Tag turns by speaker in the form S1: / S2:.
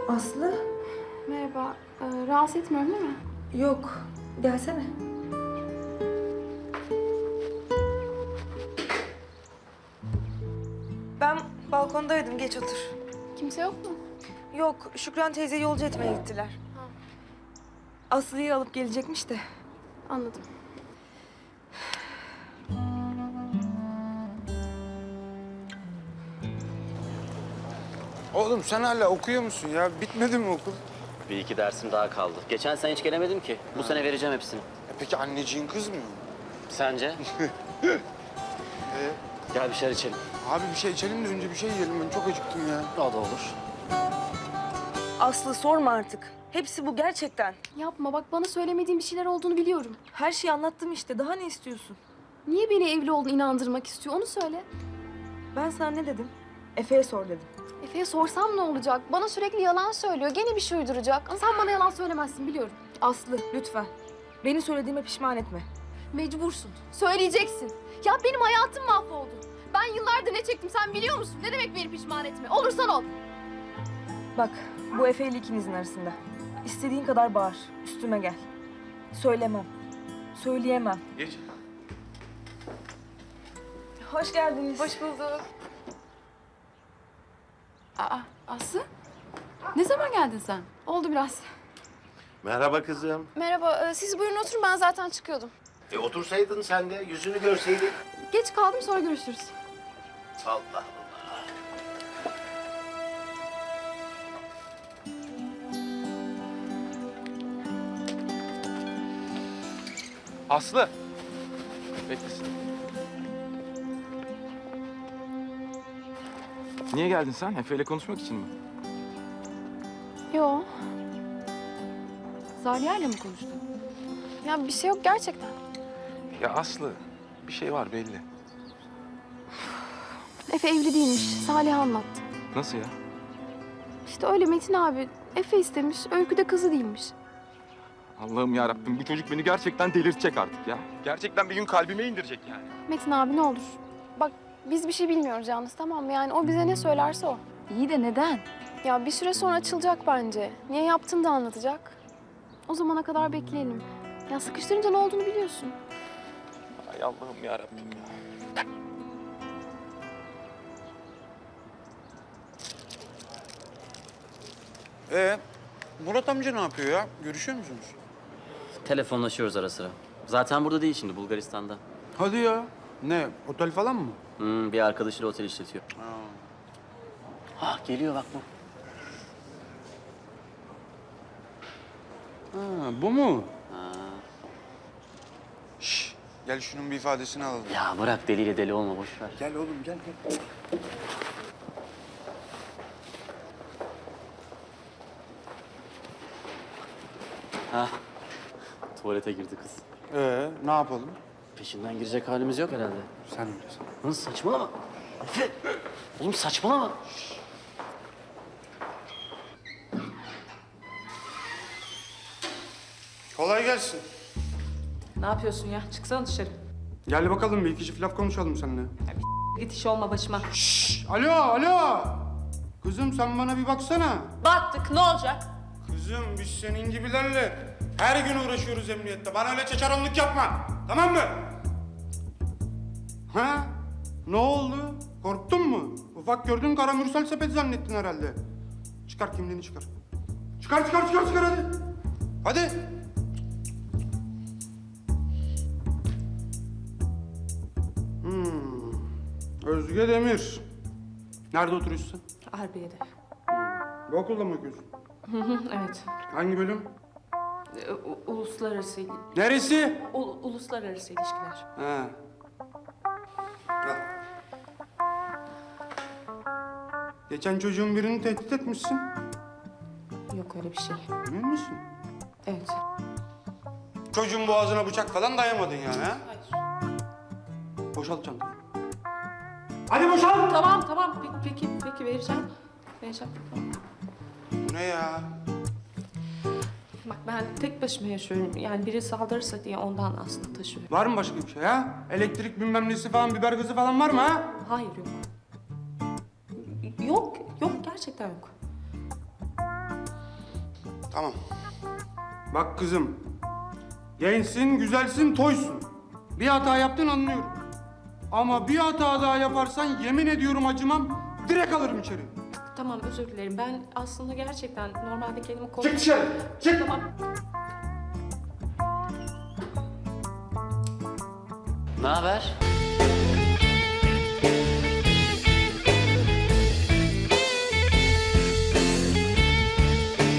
S1: Aslı?
S2: Merhaba. Rahatsız etmiyorum değil mi?
S1: Yok. Gelsene. Ben balkondaydım. Geç otur.
S2: Kimse yok mu?
S1: Yok. Şükran teyze yolcu etmeye gittiler. Aslı'yı alıp gelecekmiş de.
S2: Anladım.
S3: Oğlum sen hala okuyor musun ya? Bitmedi mi okul?
S4: Bir iki dersim daha kaldı. Geçen sene hiç gelemedim ki. Bu sene vereceğim hepsini.
S3: Peki anneciğin kızmıyor mu?
S4: Sence? Gel bir şeyler içelim.
S3: Abi bir şey içelim de önce bir şey yiyelim. Ben çok acıktım ya.
S4: O da olur.
S1: Aslı sorma artık. Hepsi bu gerçekten.
S2: Yapma bak bana söylemediğin bir şeyler olduğunu biliyorum.
S1: Her şeyi anlattım işte. Daha ne istiyorsun?
S2: Niye beni evli olduğunu inandırmak istiyor onu söyle.
S1: Ben sana ne dedim? Efe'ye sor dedim.
S2: Efe'ye sorsam ne olacak? Bana sürekli yalan söylüyor. Gene bir şey uyduracak. Ama sen bana yalan söylemezsin biliyorum.
S1: Aslı lütfen. Beni söylediğime pişman etme.
S2: Mecbursun. Söyleyeceksin. Ya benim hayatım mahvoldu. Ben yıllardır ne çektim sen biliyor musun? Ne demek beni pişman etme? Olursan ol.
S1: Bak bu Efe ile ikinizin arasında. İstediğin kadar bağır. Üstüme gel. Söylemem. Söyleyemem.
S3: Geç.
S1: Hoş geldiniz.
S2: Hoş bulduk.
S5: Aa, Aslı? Ne zaman geldin sen?
S2: Oldu biraz.
S6: Merhaba kızım.
S2: Merhaba. Siz buyurun oturun ben zaten çıkıyordum.
S6: Otursaydın sen de yüzünü görseydik.
S2: Geç kaldım sonra görüşürüz.
S6: Allah Allah.
S3: Aslı. Beklesin. Niye geldin sen? Efe ile konuşmak için mi?
S2: Yo.
S5: Zaliha ile mi konuştun?
S2: Ya bir şey yok gerçekten.
S3: Ya Aslı, bir şey var belli.
S2: Efe evli değilmiş. Salih anlattı.
S3: Nasıl ya?
S2: İşte öyle Metin abi. Efe istemiş. Öykü de kızı değilmiş.
S3: Allah'ım ya Rabbim, bu çocuk beni gerçekten delirtecek artık ya. Gerçekten bir gün kalbime indirecek yani.
S2: Metin abi ne olur. Bak biz bir şey bilmiyoruz yalnız tamam mı? Yani o bize ne söylerse o.
S5: İyi de neden?
S2: Ya bir süre sonra açılacak bence. Niye yaptığını da anlatacak. O zamana kadar bekleyelim. Ya sıkıştırınca ne olduğunu biliyorsun.
S3: Ay Allah'ım ya Rabbim ya. Murat amca ne yapıyor ya? Görüşüyor musunuz?
S4: Telefonlaşıyoruz ara sıra. Zaten burada değil şimdi, Bulgaristan'da.
S3: Hadi ya. Ne, otel falan mı?
S4: Bir arkadaşıyla otel işletiyor. Ah geliyor bak bu.
S3: Ha, bu mu? Şş, gel şunun bir ifadesini alalım.
S4: Ya bırak deliyle deli olma, boş ver.
S3: Gel oğlum, gel.
S4: Ha. Tuvalete girdi kız.
S3: Ne yapalım?
S4: Peşinden girecek halimiz yok herhalde.
S3: Sen bilirsin.
S4: Lan saçmalama. Efe. Oğlum saçmalama.
S3: Kolay gelsin.
S7: Ne yapıyorsun ya? Çıksana dışarı.
S8: Gel bakalım bir iki çift laf konuşalım seninle.
S7: Git iş olma başıma.
S8: Alo, alo. Kızım sen bana bir baksana.
S7: Battık ne olacak?
S8: Kızım biz senin gibilerle her gün uğraşıyoruz emniyette. Bana öyle çeçaronluk yapma. Tamam mı? Ha? Ne oldu? Korktun mu? Ufak gördün kara mürsel sepet zannettin herhalde. Çıkar kimliğini çıkar. Çıkar hadi. Hadi. Özge Demir. Nerede oturuyorsun sen?
S7: Harbiye'de.
S8: Bu okulda mı okuyorsun?
S7: Evet.
S8: Hangi bölüm?
S7: Uluslararası,
S8: Neresi?
S7: uluslararası ilişkiler.
S8: Ha. Al. Geçen çocuğun birini tehdit etmişsin.
S7: Yok öyle bir şey.
S8: Emin misin?
S7: Evet.
S8: Çocuğun boğazına bıçak falan dayamadın yani ha?
S7: Hayır.
S8: Boşalt çantayı. Hadi boşalt!
S7: Tamam. Peki vereceğim.
S8: Bu ne ya?
S7: Bak ben tek başıma yaşıyorum. Yani biri saldırırsa diye ondan aslında taşıyorum.
S8: Var mı başka bir şey ha? Elektrik bilmem nesi falan, biber gazı falan var mı ha?
S7: Hayır yok. Yok gerçekten yok.
S8: Tamam. Bak kızım. Gençsin, güzelsin, toysun. Bir hata yaptın anlıyorum. Ama bir hata daha yaparsan yemin ediyorum acımam. Direkt alırım içeri.
S7: Tamam özür dilerim. Ben aslında gerçekten normalde kendimi
S8: Çık dışarı. Çık.
S7: Tamam.
S4: Ne haber?